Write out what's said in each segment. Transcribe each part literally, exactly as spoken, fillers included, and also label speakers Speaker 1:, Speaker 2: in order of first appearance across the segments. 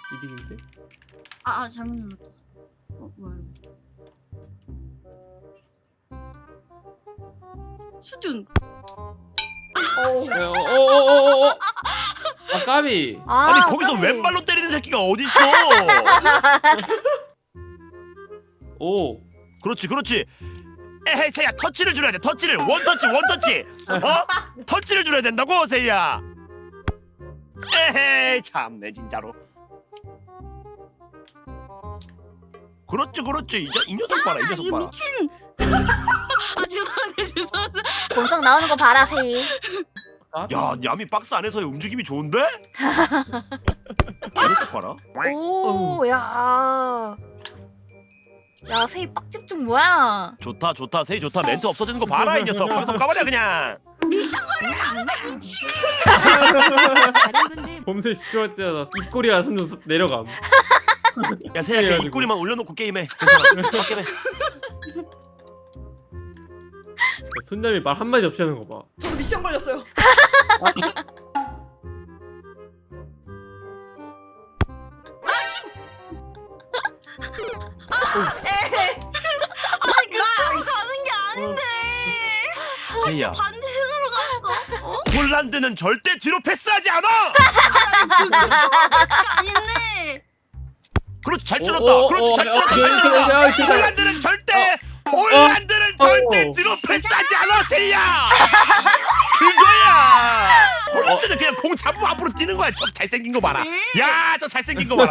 Speaker 1: 이득인데?
Speaker 2: 아, 아 잘못 눌렀다. 어 뭐야 이거. 수준.
Speaker 1: 어어어어어 아 까비.
Speaker 3: 아,
Speaker 4: 아니 거기서
Speaker 3: 까비.
Speaker 4: 왼발로 때리는 새끼가 어딨어?
Speaker 1: 오.
Speaker 4: 그렇지 그렇지. 에헤이 세야 터치를 줄여야 돼. 터치를 원터치 원터치. 어? 터치를 줄여야 된다고 세야. 에헤이 참내 진짜로. 그렇지 그렇지. 이, 이 녀석 봐라 이 녀석
Speaker 2: 이거
Speaker 4: 봐라.
Speaker 2: 미친. 아 죄송한데 죄송한데.
Speaker 3: 본성 나오는 거 봐라 세이.
Speaker 1: 까비.
Speaker 4: 야 야미 박스 안에서의 움직임이 좋은데? 이 녀석 봐라.
Speaker 3: 오, 야. 야, 세이 빡집중 뭐야?
Speaker 4: 좋다 좋다 세이 좋다. 멘트 없어지는 거 봐라 이 녀석. 방송 까버려 그냥.
Speaker 2: 미션 걸려 항상 미친.
Speaker 5: 다른 분들
Speaker 1: 범죄 집중했잖아. 입꼬리가 점점 내려감.
Speaker 4: 야 세야 그
Speaker 1: 해가지고.
Speaker 4: 입꼬리만 올려놓고 게임해. 괜찮아. 밖에 해.
Speaker 1: 손잡이 말 한마디 없이 하는 거 봐.
Speaker 6: 저 미션 걸렸어요.
Speaker 2: 아니 그쪽으로 가는 게 아닌데.
Speaker 4: 세야.
Speaker 2: 반대편으로 갔어. 어?
Speaker 4: 폴란드는 절대 뒤로 패스하지 않아.
Speaker 2: 그거 아닌데.
Speaker 4: 그렇지 잘
Speaker 1: 오,
Speaker 4: 찔렀다.
Speaker 1: 오,
Speaker 4: 그렇지
Speaker 1: 오,
Speaker 4: 잘
Speaker 1: 어,
Speaker 4: 찔렀다.
Speaker 1: 어,
Speaker 4: 잘
Speaker 1: 어,
Speaker 4: 찔렀다.
Speaker 1: 어, 어,
Speaker 4: 폴란드는 절대 폴란드는
Speaker 1: 어.
Speaker 4: 절대
Speaker 1: 어.
Speaker 4: 뒤로 패스하지 않아 세이야. 그거야. 폴란드는 그냥 공 잡으면 앞으로 뛰는 거야. 저 잘생긴 거 봐라. 야 저 잘생긴 거 봐라.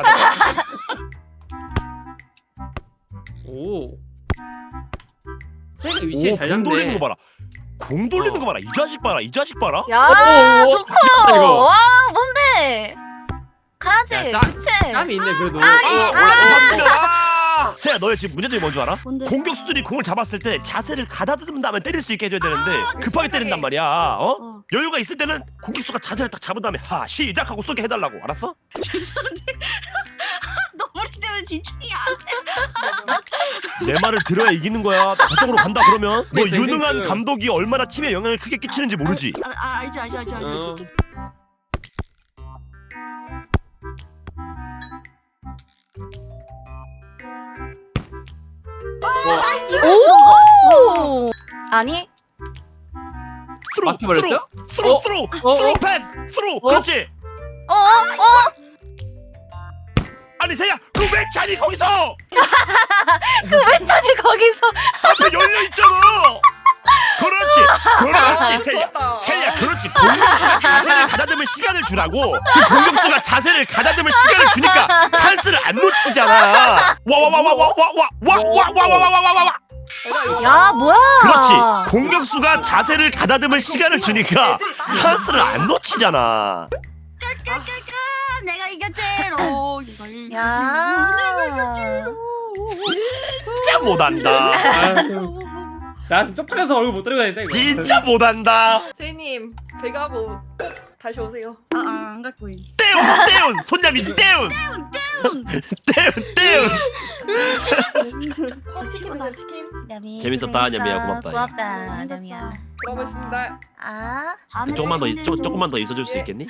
Speaker 1: 오. 세가 위치 잘
Speaker 4: 오공
Speaker 1: 잡네.
Speaker 4: 돌리는 거 봐라. 공 돌리는
Speaker 1: 어.
Speaker 4: 거 봐라. 이 자식 봐라. 이 자식 봐라.
Speaker 3: 야,
Speaker 1: 오, 오,
Speaker 3: 좋고.
Speaker 1: 진짜 이거.
Speaker 3: 와, 뭔데? 가야지.
Speaker 1: 야, 짜-
Speaker 3: 그치?
Speaker 1: 땀이 있네 그래도.
Speaker 4: 아,
Speaker 1: 아,
Speaker 4: 올라갔으면 아! 세야 너의 지금 문제점이 뭔 줄 알아?
Speaker 2: 뭔데?
Speaker 4: 공격수들이 공을 잡았을 때 자세를 가다듬은 다음에 때릴 수 있게 해줘야 되는데
Speaker 6: 아,
Speaker 4: 급하게
Speaker 6: 그
Speaker 4: 때린단
Speaker 6: 생각해.
Speaker 4: 말이야. 어?
Speaker 2: 어.
Speaker 4: 여유가 있을 때는 공격수가 자세를 딱 잡은 다음에 하 시작하고 쏘게 해달라고. 알았어?
Speaker 2: 너 우리 때문에 집중이 안 돼.
Speaker 4: 내 말을 들어야 이기는 거야. 저쪽으로 간다 그러면 너
Speaker 1: 그치,
Speaker 4: 유능한
Speaker 1: 그치.
Speaker 4: 감독이 얼마나 팀에 영향을 크게 끼치는지 모르지.
Speaker 2: 아, 아 알지 알지 알지 알지.
Speaker 1: 어.
Speaker 3: 오! 아니,
Speaker 4: 스루
Speaker 1: 막혀버렸죠?
Speaker 4: 스루
Speaker 1: 어?
Speaker 4: 스루
Speaker 1: 어?
Speaker 4: 스루
Speaker 1: 어?
Speaker 4: 패스 스루.
Speaker 1: 어?
Speaker 4: 그렇지.
Speaker 3: 어? 어?
Speaker 4: 아니 세야 그왜 차니 거기서
Speaker 3: 그 왼쪽이 거기서.
Speaker 4: 앞에 열려 있잖아. 그렇지 그렇지
Speaker 6: 아,
Speaker 4: 세야.
Speaker 6: 좋았다.
Speaker 4: 세야 그렇지. 공격수가 자세를 가다듬을 시간을 주라고. 그 공격수가 자세를 가다듬을 시간을 주니까 찬스를 안 놓치잖아. 와 와 와 와 와 와 와 와 와 와 와 와 와 와.
Speaker 3: 야, 뭐야?
Speaker 4: 그렇지. 공격수가 자세를 가다듬을 시간을 주니까 찬스를 안 놓치잖아.
Speaker 2: 아, 내가 이겼제로.
Speaker 3: 야.
Speaker 4: 진짜 못한다.
Speaker 1: 아유. 나 지금 쪽팔려서 얼굴 못 들고 다닌다 이거.
Speaker 4: 진짜 못한다.
Speaker 6: 세이님 배가고 꼭 다시 오세요.
Speaker 2: 아안 갈 거임.
Speaker 4: 떼운 떼운 손잡이 떼운 떼운 떼운.
Speaker 6: 어, 치킨 드세요 치킨.
Speaker 3: 냠이,
Speaker 4: 재밌었다,
Speaker 3: 고생했어.
Speaker 4: 냠이야, 고맙다,
Speaker 3: 고맙다,
Speaker 2: 재밌었어.
Speaker 3: 냠이야.
Speaker 6: 들어가겠습니다.
Speaker 3: 아,
Speaker 2: 다음에
Speaker 4: 조금만 더
Speaker 2: 또
Speaker 4: 조, 조금만 더 있어줄 수
Speaker 6: 예.
Speaker 4: 있겠니?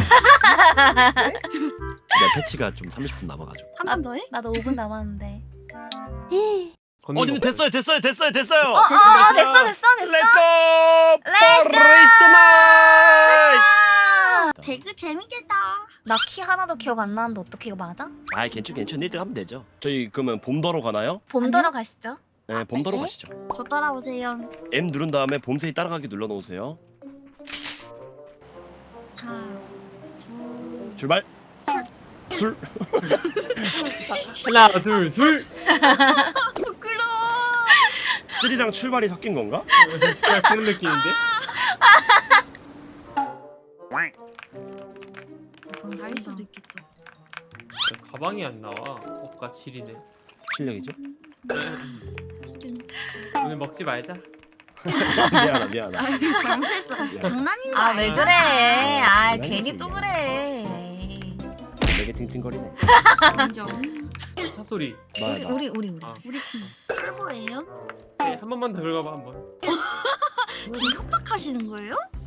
Speaker 4: 내 패치가 좀 삼십 분 남아가지고.
Speaker 2: 한 번 더 해?
Speaker 3: 나도 오 분 남았는데.
Speaker 4: 어, 님 됐어요, 됐어요, 됐어요, 됐어요.
Speaker 3: 어, 어, 어, 됐어, 됐어, 됐어.
Speaker 4: Let's go.
Speaker 3: Let's go.
Speaker 4: Party
Speaker 3: 아,
Speaker 2: 배그 재밌겠다.
Speaker 3: 나 키 하나도 기억 안 나는데 어떻게 이거 맞아?
Speaker 4: 아이 괜찮 괜찮 일 등 하면 되죠. 저희 그러면 봄더러 가나요?
Speaker 3: 봄더러 가시죠.
Speaker 4: 네, 봄더러
Speaker 2: 네?
Speaker 4: 가시죠.
Speaker 2: 저 따라오세요.
Speaker 4: M 누른 다음에 봄새이 따라가기 눌러 놓으세요.
Speaker 2: 하나, 둘,
Speaker 4: 출발. 술.
Speaker 1: 하나 둘 술.
Speaker 2: 부끄러워.
Speaker 4: 쓰리랑 출발이 섞인 건가?
Speaker 1: 그냥 그런 느낌인데.
Speaker 2: 갈 수도 있겠다.
Speaker 1: 가방이 안 나와. 억가 칠이네.
Speaker 4: 실력이죠?
Speaker 2: 수준.
Speaker 1: 오늘 먹지 말자.
Speaker 4: 미안하다, 미안하다.
Speaker 2: 아, 잘못했어. 장난인 거
Speaker 3: 아, 왜
Speaker 2: 아니야?
Speaker 3: 저래? 아,
Speaker 4: 장난이지.
Speaker 3: 괜히 또 그래. 에이.
Speaker 4: 내게 팅팅거리네.
Speaker 2: 인정.
Speaker 1: 차 소리.
Speaker 4: 나,
Speaker 3: 우리
Speaker 4: 나.
Speaker 3: 우리 우리 우리.
Speaker 1: 아,
Speaker 2: 우리 팀 쫄보예요?
Speaker 1: 네, 한 번만 더 긁어봐 한 번.
Speaker 2: 지금 협박하시는 거예요?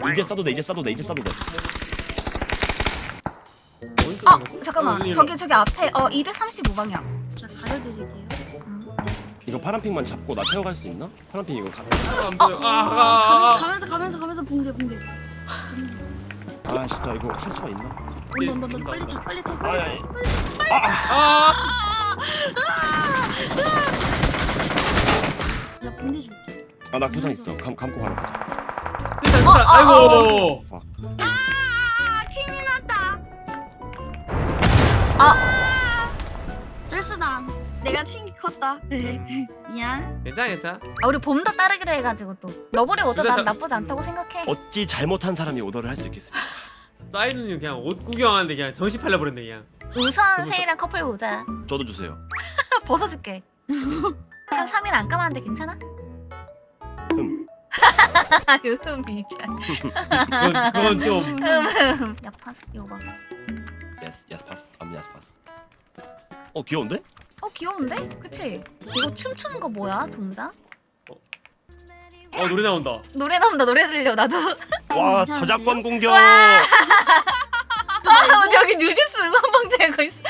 Speaker 4: 이제 써도 돼 이제 써도 돼 이제 써도 돼.
Speaker 1: 어디서
Speaker 3: 아
Speaker 1: 그런 거지?
Speaker 3: 잠깐만.
Speaker 1: 어,
Speaker 3: 저기 저기 앞에 어 이백삼십오 방향.
Speaker 2: 자 가려드릴게요.
Speaker 4: 이거 파란핑만 잡고 나 태워갈 수 있나? 파란핑 이거 가.
Speaker 1: 아, 안 보여. 아, 아,
Speaker 2: 가면서
Speaker 1: 아, 아.
Speaker 2: 가면서 가면서 가면서 붕대 붕대.
Speaker 4: 아 진짜 이거 탈 수가 있나?
Speaker 2: 온다 온다 온다 빨리 타 빨리 타.
Speaker 4: 아, 야, 야.
Speaker 1: 아,
Speaker 2: 나 붕대 줄게.
Speaker 4: 아, 나 구상 있어. 감 감고 바로 가자.
Speaker 1: 됐다, 됐다.
Speaker 3: 어, 어,
Speaker 1: 아이고.
Speaker 2: 아 킹이 났다.
Speaker 3: 아,
Speaker 2: 쩔수다. 내가 킹이 컸다. 미안.
Speaker 1: 괜찮아, 괜찮아.
Speaker 3: 아 우리 봄도 따르기로 해가지고 또 너구리 오더 난
Speaker 1: 진짜
Speaker 3: 나쁘지 않다고 생각해.
Speaker 4: 어찌 잘못한 사람이 오더를 할 수 있겠습니까?
Speaker 1: 사이드님 그냥 옷 구경하는데 그냥 정신 팔려 버렸네 그냥.
Speaker 3: 우선 세이랑 커플 보자.
Speaker 4: 저도 주세요.
Speaker 3: 벗어줄게. 한 삼 일 안 감았는데 괜찮아?
Speaker 4: 음.
Speaker 3: 요즘이자.
Speaker 1: 그건, 그건 좀.
Speaker 3: 야 파스 이거 봐.
Speaker 4: 예스 예스 파스. 암 예스 파스. 어 귀여운데?
Speaker 3: 어 귀여운데? 그치? 이거 춤추는 거 뭐야 동작?
Speaker 1: 어 노래 나온다.
Speaker 3: 노래 나온다. 노래 들려 나도.
Speaker 4: 와
Speaker 2: 괜찮으세요?
Speaker 4: 저작권 공격.
Speaker 3: 아 여기 뉴지스 응원봉 들고 있어.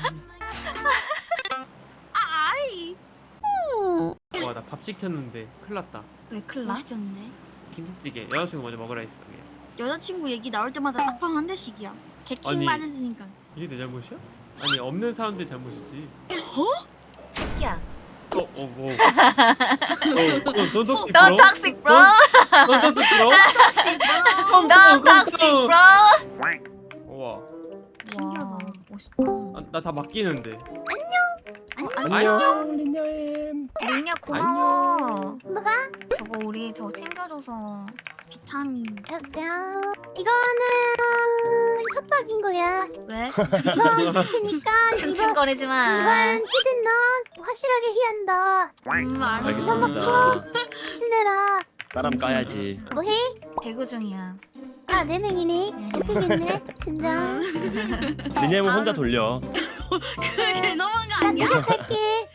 Speaker 2: 아이.
Speaker 1: 와 나 밥 시켰는데 큰일 났다.
Speaker 3: 왜 클라?
Speaker 2: 뭐 시켰는데?
Speaker 1: 김치찌개 여자친구 먼저 먹으라 했어. 그냥.
Speaker 2: 여자친구 얘기 나올 때마다 딱방 한 대씩이야. 개킹
Speaker 1: 아니.
Speaker 2: 많으니까.
Speaker 1: 이게 내 잘못이야? 아니 없는 사람들 잘못이지.
Speaker 3: 새끼야.
Speaker 1: 어, 어, 뭐. 어, 어, 넌 톡식
Speaker 3: 넌
Speaker 1: 브로?
Speaker 3: 톡식 브로.
Speaker 1: 넌 톡식 브로?
Speaker 3: 넌 톡식 브로.
Speaker 1: 우와.
Speaker 2: 신기하다.
Speaker 3: 와, 멋있다.
Speaker 1: 아, 나 다 맡기는데.
Speaker 3: 어,
Speaker 4: 안녕 린냐엠.
Speaker 3: 민야 고마워. 뭐가? 저거 우리 저 챙겨줘서.
Speaker 2: 비타민.
Speaker 7: 야, 이거는 협박인 거야.
Speaker 2: 왜?
Speaker 7: 이거 시키니까 이거
Speaker 3: 층층거리지 마.
Speaker 7: 이건 히든 넌 확실하게 히한다.
Speaker 2: 음 알았어.
Speaker 4: 알겠습니다.
Speaker 7: 힘내라.
Speaker 4: 따람 까야지.
Speaker 7: 뭐해?
Speaker 3: 배구 중이야.
Speaker 7: 아, 네 명이네. 웃기겠네. 진짜.
Speaker 4: 린냐엠은 혼자 돌려.
Speaker 2: 그게 너무한 거
Speaker 7: 나
Speaker 2: 아니야?
Speaker 7: 집에 갈게.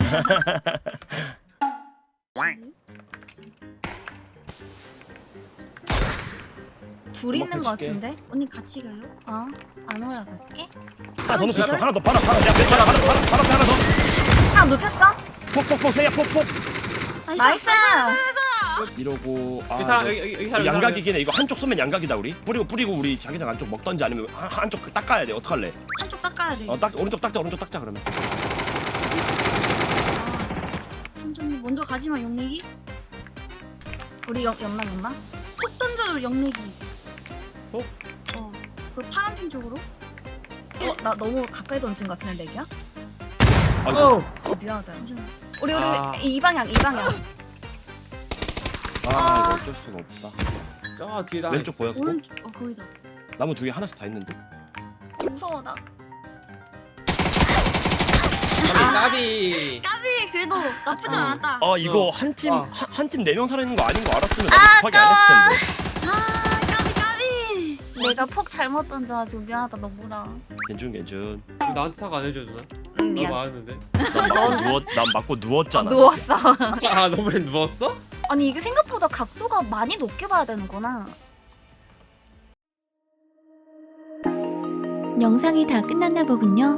Speaker 3: 둘 있는 거
Speaker 4: 먹고
Speaker 3: 같은데?
Speaker 2: 언니 같이 가요?
Speaker 3: 어? 안 올라갈게.
Speaker 4: 하나 더 눕혔어. 하나 더 바로 바로 야 바로 바로 바로 바로 하나 더.
Speaker 3: 하나 눕혔어?
Speaker 4: 폭폭폭 세야 폭폭.
Speaker 3: 나이스.
Speaker 4: 이러고 아
Speaker 1: 여기 사람
Speaker 4: 이거-
Speaker 1: 여기 여기 여기
Speaker 4: 이거
Speaker 1: 사람
Speaker 4: 양각이긴 해. 이거 한쪽 쏘면 양각이다 우리. 뿌리고 뿌리고 우리 자기장 안쪽 먹던지 아니면 한, 한쪽 그 닦아야 돼. 어떡할래?
Speaker 2: 한쪽 닦아야 돼.
Speaker 4: 어 딱 오른쪽 닦자 오른쪽 닦자 그러면.
Speaker 2: 천천히 먼저 가지마 영내기.
Speaker 3: 우리 옆 연막 연막?
Speaker 2: 톡 던져줘 영내기.
Speaker 1: 톡?
Speaker 2: 어. 그 파란핀 쪽으로.
Speaker 3: 어? 나 너무 가까이 던진 것 같은데 렉이야?
Speaker 4: 아이고.
Speaker 1: 어.
Speaker 3: 어 미안하다.
Speaker 2: 잠시만.
Speaker 3: 우리 우리
Speaker 1: 아.
Speaker 3: 이 방향 이 방향.
Speaker 4: 아 이거 어쩔 수가 없다.
Speaker 1: 저 뒤에 나
Speaker 4: 왼쪽 보였고
Speaker 2: 오른쪽. 어 거기다.
Speaker 4: 나무 두 개 하나씩 다 있는데.
Speaker 3: 무서워 나.
Speaker 1: 나비.
Speaker 2: 까비 그래도 나쁘지
Speaker 1: 어.
Speaker 2: 않았다.
Speaker 4: 아 이거
Speaker 1: 어.
Speaker 4: 한팀
Speaker 1: 아.
Speaker 4: 한 팀 네 명 살아있는 거 아닌 거 알았으면
Speaker 3: 아,
Speaker 4: 나도 급하게 안 했을 텐데.
Speaker 2: 아 까비 까비.
Speaker 3: 내가 폭 잘못 던져가지고 미안하다 너무라.
Speaker 4: 괜춘 괜춘.
Speaker 1: 왜 나한테 사과 안 해줘 누나?
Speaker 3: 응
Speaker 1: 너
Speaker 3: 미안.
Speaker 1: 맞았는데.
Speaker 4: 난 맞고 누웠 난 맞고
Speaker 3: 어,
Speaker 4: 누웠잖아.
Speaker 3: 누웠어.
Speaker 1: 아 너무 누웠어?
Speaker 3: 아니 이게 생각보다 각도가 많이 높게 봐야 되는구나.
Speaker 5: 영상이 다 끝났나 보군요.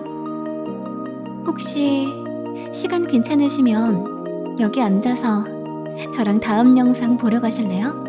Speaker 5: 혹시 시간 괜찮으시면 여기 앉아서 저랑 다음 영상 보러 가실래요?